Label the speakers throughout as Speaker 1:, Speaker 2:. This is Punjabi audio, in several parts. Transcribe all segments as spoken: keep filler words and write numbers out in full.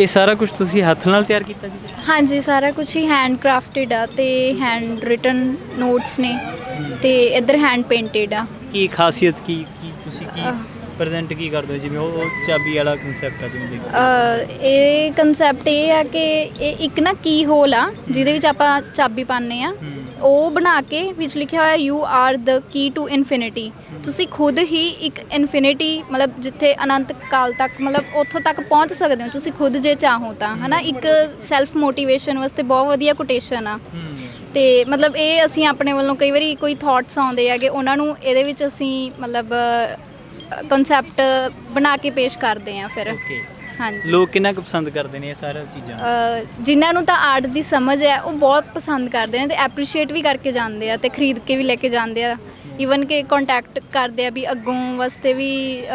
Speaker 1: ਇਹ ਸਾਰਾ ਕੁਝ ਤੁਸੀਂ ਹੱਥ ਨਾਲ ਤਿਆਰ ਕੀਤਾ ਜੀ?
Speaker 2: ਹਾਂਜੀ, ਸਾਰਾ ਕੁਝ ਹੀ ਹੈਂਡ ਕ੍ਰਾਫਟਡ ਆ ਤੇ ਹੈਂਡ ਰਿਟਨ ਨੋਟਸ ਨੇ ਤੇ ਇੱਧਰ ਹੈਂਡ ਪੇਂਟਡ ਆ।
Speaker 1: ਕੀ ਖਾਸੀਅਤ ਕੀ ਕੀ ਤੁਸੀਂ ਕੀ ਪ੍ਰੈਜ਼ੈਂਟ ਕੀ ਕਰਦੇ ਹੋ, ਜਿਵੇਂ ਉਹ ਉਹ ਚਾਬੀ ਵਾਲਾ ਕਨਸੈਪਟ ਆ ਜਿਵੇਂ
Speaker 2: ਅ, ਇਹ ਕਨਸੈਪਟ ਇਹ ਆ ਕਿ ਇਹ ਇੱਕ ਨਾ ਕੀ ਹੋਲ ਆ ਜਿਹਦੇ ਵਿੱਚ ਆਪਾਂ ਚਾਬੀ ਪਾਉਂਦੇ ਆ, ਉਹ ਬਣਾ ਕੇ ਵਿੱਚ ਲਿਖਿਆ ਹੋਇਆ you are the key to infinity. ਤੁਸੀਂ ਖੁਦ ਹੀ ਇੱਕ ਇਨਫਿਨਿਟੀ ਮਤਲਬ ਜਿੱਥੇ ਅਨੰਤ ਕਾਲ ਤੱਕ ਮਤਲਬ ਉੱਥੋਂ ਤੱਕ ਪਹੁੰਚ ਸਕਦੇ ਹੋ ਤੁਸੀਂ ਖੁਦ ਜੇ ਚਾਹੋ ਤਾਂ, ਹੈ ਨਾ। ਇੱਕ ਸੈਲਫ ਮੋਟੀਵੇਸ਼ਨ ਵਾਸਤੇ ਬਹੁਤ ਵਧੀਆ ਕੋਟੇਸ਼ਨ ਆ। ਤੇ ਮਤਲਬ ਇਹ ਅਸੀਂ ਆਪਣੇ ਵੱਲੋਂ ਕਈ ਵਾਰੀ ਕੋਈ ਥਾਟਸ ਆਉਂਦੇ ਹੈਗੇ ਉਹਨਾਂ ਨੂੰ ਇਹਦੇ ਵਿੱਚ ਅਸੀਂ ਮਤਲਬ ਕਨਸੈਪਟ ਬਣਾ ਕੇ ਪੇਸ਼ ਕਰਦੇ ਆ ਫਿਰ।
Speaker 1: ਓਕੇ,
Speaker 2: ਹਾਂਜੀ।
Speaker 1: ਲੋਕ ਕਿੰਨਾ ਕੁ ਪਸੰਦ ਕਰਦੇ ਨੇ ਇਹ ਸਾਰੀਆਂ ਚੀਜ਼ਾਂ?
Speaker 2: ਜਿਨ੍ਹਾਂ ਨੂੰ ਤਾਂ ਆਰਟ ਦੀ ਸਮਝ ਹੈ ਉਹ ਬਹੁਤ ਪਸੰਦ ਕਰਦੇ ਨੇ ਤੇ ਐਪਰੀਸ਼ੀਏਟ ਵੀ ਕਰਕੇ ਜਾਂਦੇ ਆ ਤੇ ਖਰੀਦ ਕੇ ਵੀ ਲੈ ਕੇ ਜਾਂਦੇ ਆ। ਈਵਨ ਕਿ ਕੰਟੈਕਟ ਕਰਦੇ ਆ ਵੀ ਅੱਗੋਂ ਵਾਸਤੇ ਵੀ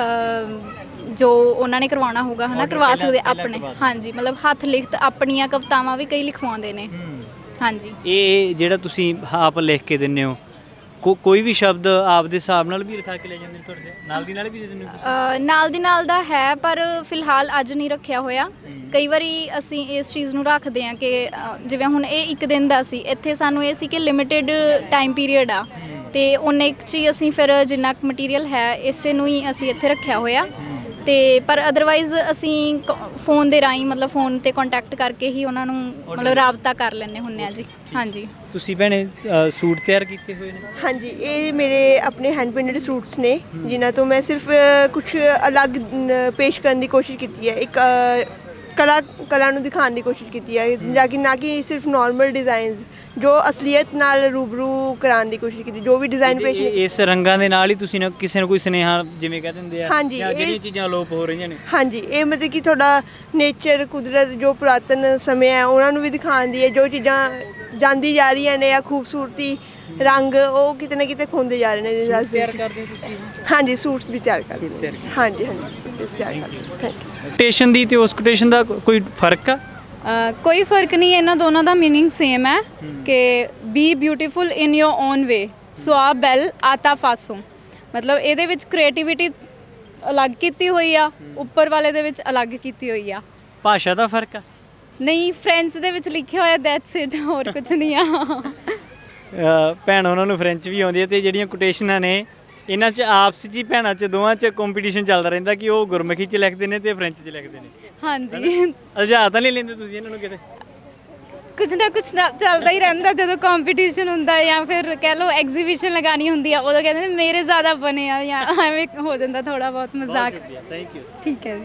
Speaker 2: ਜੋ ਉਹਨਾਂ ਨੇ ਕਰਵਾਉਣਾ ਹੋਊਗਾ ਹੈ ਨਾ ਕਰਵਾ ਸਕਦੇ ਆਪਣੇ। ਹਾਂਜੀ, ਮਤਲਬ ਹੱਥ ਲਿਖਤ ਆਪਣੀਆਂ ਕਵਿਤਾਵਾਂ ਵੀ ਕਈ ਲਿਖਵਾਉਂਦੇ ਨੇ। ਹਾਂਜੀ। ਇਹ
Speaker 1: ਜਿਹੜਾ ਤੁਸੀਂ ਆਪ ਲਿਖ ਕੇ ਦਿੰਦੇ ਹੋ, ਕੋ ਕੋਈ ਵੀ ਸ਼ਬਦ ਆਪ ਦੇ ਹਿਸਾਬ ਨਾਲ ਵੀ ਲਿਖਾ ਕੇ ਲੈ ਜਾਂਦੇ ਨੇ ਤੁਹਾਡੇ ਨਾਲ ਦੀ ਨਾਲ ਵੀ ਦੇ ਦਿੰਦੇ ਹੋ?
Speaker 2: ਨਾਲ ਦੀ ਨਾਲ ਦਾ ਹੈ ਪਰ ਫਿਲਹਾਲ ਅੱਜ ਨਹੀਂ ਰੱਖਿਆ ਹੋਇਆ। ਕਈ ਵਾਰੀ ਅਸੀਂ ਇਸ ਚੀਜ਼ ਨੂੰ ਰੱਖਦੇ ਹਾਂ ਕਿ ਜਿਵੇਂ ਹੁਣ ਇਹ ਇੱਕ ਦਿਨ ਦਾ ਸੀ, ਇੱਥੇ ਸਾਨੂੰ ਇਹ ਸੀ ਕਿ ਲਿਮਿਟਿਡ ਟਾਈਮ ਪੀਰੀਅਡ ਆ ਤੇ ਉਹਨੇ ਇੱਕ 'ਚ ਹੀ ਅਸੀਂ ਫਿਰ ਜਿੰਨਾ ਕੁ ਮਟੀਰੀਅਲ ਹੈ ਇਸੇ ਨੂੰ ਹੀ ਅਸੀਂ ਇੱਥੇ ਰੱਖਿਆ ਹੋਇਆ। ਤੇ ਪਰ ਅਦਰਵਾਈਜ਼ ਅਸੀਂ ਫੋਨ ਦੇ ਰਾਹੀਂ ਮਤਲਬ ਫੋਨ 'ਤੇ ਕੰਟੈਕਟ ਕਰਕੇ ਹੀ ਉਹਨਾਂ ਨੂੰ ਮਤਲਬ ਰਾਬਤਾ ਕਰ ਲੈਂਦੇ ਹੁੰਦੇ ਹਾਂ ਜੀ। ਹਾਂਜੀ। ਤੁਸੀਂ
Speaker 1: ਭੈਣੇ ਸੂਟ ਤਿਆਰ ਕੀਤੇ ਹੋਏ ਨੇ?
Speaker 3: ਹਾਂਜੀ, ਇਹ ਮੇਰੇ ਆਪਣੇ ਹੈਂਡ ਪੇਂਟਡ ਸੂਟਸ ਨੇ ਜਿਨ੍ਹਾਂ ਤੋਂ ਮੈਂ ਸਿਰਫ ਕੁਝ ਅਲੱਗ ਪੇਸ਼ ਕਰਨ ਦੀ ਕੋਸ਼ਿਸ਼ ਕੀਤੀ ਹੈ। ਇੱਕ ਕਲਾ ਕਲਾ ਨੂੰ ਦਿਖਾਉਣ ਦੀ ਕੋਸ਼ਿਸ਼ ਕੀਤੀ ਹੈ, ਜਾਂ ਕਿ ਨਾ ਕਿ ਸਿਰਫ ਨਾਰਮਲ ਡਿਜ਼ਾਈਨਸ ਜੋ ਅਸਲੀਅਤ ਨਾਲ ਰੂਬਰੂ ਕਰਾਉਣ ਦੀ ਕੋਸ਼ਿਸ਼ ਕੀਤੀ। ਜੋ ਵੀ ਡਿਜ਼ਾਈਨ ਪੇਸ਼
Speaker 1: ਇਸ ਰੰਗਾਂ ਦੇ ਨਾਲ ਹੀ ਤੁਸੀਂ ਨਾ ਕਿਸੇ ਨੂੰ ਕੋਈ ਸੁਨੇਹਾ ਜਿਵੇਂ ਕਹਿ ਦਿੰਦੇ ਆ
Speaker 3: ਹਾਂਜੀ
Speaker 1: ਜਿਹੜੀਆਂ ਚੀਜ਼ਾਂ ਅਲੋਪ ਹੋ ਰਹੀਆਂ ਨੇ।
Speaker 3: ਹਾਂਜੀ, ਇਹ ਮਤਲਬ ਕਿ ਤੁਹਾਡਾ ਨੇਚਰ ਕੁਦਰਤ ਜੋ ਪੁਰਾਤਨ ਸਮੇਂ ਹੈ ਉਹਨਾਂ ਨੂੰ ਵੀ ਦਿਖਾਉਣ ਦੀ ਹੈ। ਜੋ ਚੀਜ਼ਾਂ ਜਾਂਦੀ ਜਾ ਰਹੀਆਂ ਨੇ ਜਾਂ ਖੂਬਸੂਰਤੀ ਰੰਗ ਉਹ ਕਿਤੇ ਨਾ ਕਿਤੇ ਖੋਂਦੇ ਜਾ ਰਹੇ ਨੇ।
Speaker 1: ਤਿਆਰ ਕਰਦੇ ਹੋ ਤੁਸੀਂ?
Speaker 3: ਹਾਂਜੀ, ਸੂਟਸ ਵੀ ਤਿਆਰ ਕਰਦੇ ਹਾਂ। ਹਾਂਜੀ ਹਾਂਜੀ, ਤਿਆਰ ਕਰਦੇ ਹਾਂ। Thank you.
Speaker 1: ਕੋਟੇਸ਼ਨ ਦੀ ਤੇ ਉਸ ਕੋਟੇਸ਼ਨ ਦਾ ਕੋਈ ਫਰਕ ਆ?
Speaker 4: ਕੋਈ ਫਰਕ ਨਹੀਂ, ਇਹਨਾਂ ਦੋਨਾਂ ਦਾ ਮੀਨਿੰਗ ਸੇਮ ਹੈ ਕਿ be beautiful in your own way so ਆ ਬੈਲ ਆਤਾ ਫਾਸੋ। ਮਤਲਬ ਇਹਦੇ ਵਿੱਚ ਕ੍ਰੀਏਟੀਵਿਟੀ ਅਲੱਗ ਕੀਤੀ ਹੋਈ ਆ, ਉੱਪਰ ਵਾਲੇ ਦੇ ਵਿੱਚ ਅਲੱਗ ਕੀਤੀ ਹੋਈ ਆ।
Speaker 1: ਭਾਸ਼ਾ ਦਾ ਫਰਕ ਆ?
Speaker 4: ਨਹੀਂ, ਫ੍ਰੈਂਚ ਦੇ ਵਿੱਚ ਲਿਖਿਆ ਹੋਇਆ ਦੈਟਸ ਇਟ, ਹੋਰ ਕੁਝ ਨਹੀਂ ਆ।
Speaker 1: ਭੈਣ ਉਹਨਾਂ ਨੂੰ ਫ੍ਰੈਂਚ ਵੀ ਆਉਂਦੀ ਹੈ ਤੇ ਜਿਹੜੀਆਂ ਕੋਟੇਸ਼ਨਾਂ ਨੇ ਇਹਨਾਂ 'ਚ ਆਪਸ 'ਚ ਹੀ ਭੈਣਾਂ 'ਚ ਦੋਵਾਂ 'ਚ ਕੰਪੀਟੀਸ਼ਨ ਚੱਲਦਾ ਰਹਿੰਦਾ ਕਿ ਉਹ ਗੁਰਮੁਖੀ 'ਚ ਲਿਖਦੇ ਨੇ ਤੇ ਫ੍ਰੈਂਚ 'ਚ ਲਿਖਦੇ ਨੇ।
Speaker 4: ਹਾਂਜੀ।
Speaker 1: ਅਲਝਾ ਤਾਂ ਨਹੀਂ ਲੈਂਦੇ ਤੁਸੀਂ ਇਹਨਾਂ ਨੂੰ ਕਿਤੇ?
Speaker 4: ਕੁਝ ਨਾ ਕੁਝ ਨਾ ਚੱਲਦਾ ਹੀ ਰਹਿੰਦਾ। ਜਦੋਂ ਕੰਪੀਟੀਸ਼ਨ ਹੁੰਦਾ ਜਾਂ ਫਿਰ ਕਹਿ ਲਓ ਐਗਜ਼ੀਬਿਸ਼ਨ ਲਗਾਉਣੀ ਹੁੰਦੀ ਆ ਉਦੋਂ ਕਹਿੰਦੇ ਨੇ ਮੇਰੇ ਜ਼ਿਆਦਾ ਬਣੇ ਆ ਜਾਂ ਐਵੇਂ ਹੋ ਜਾਂਦਾ ਥੋੜ੍ਹਾ ਬਹੁਤ ਮਜ਼ਾਕ।
Speaker 1: Thank you.
Speaker 4: ਠੀਕ ਹੈ ਜੀ।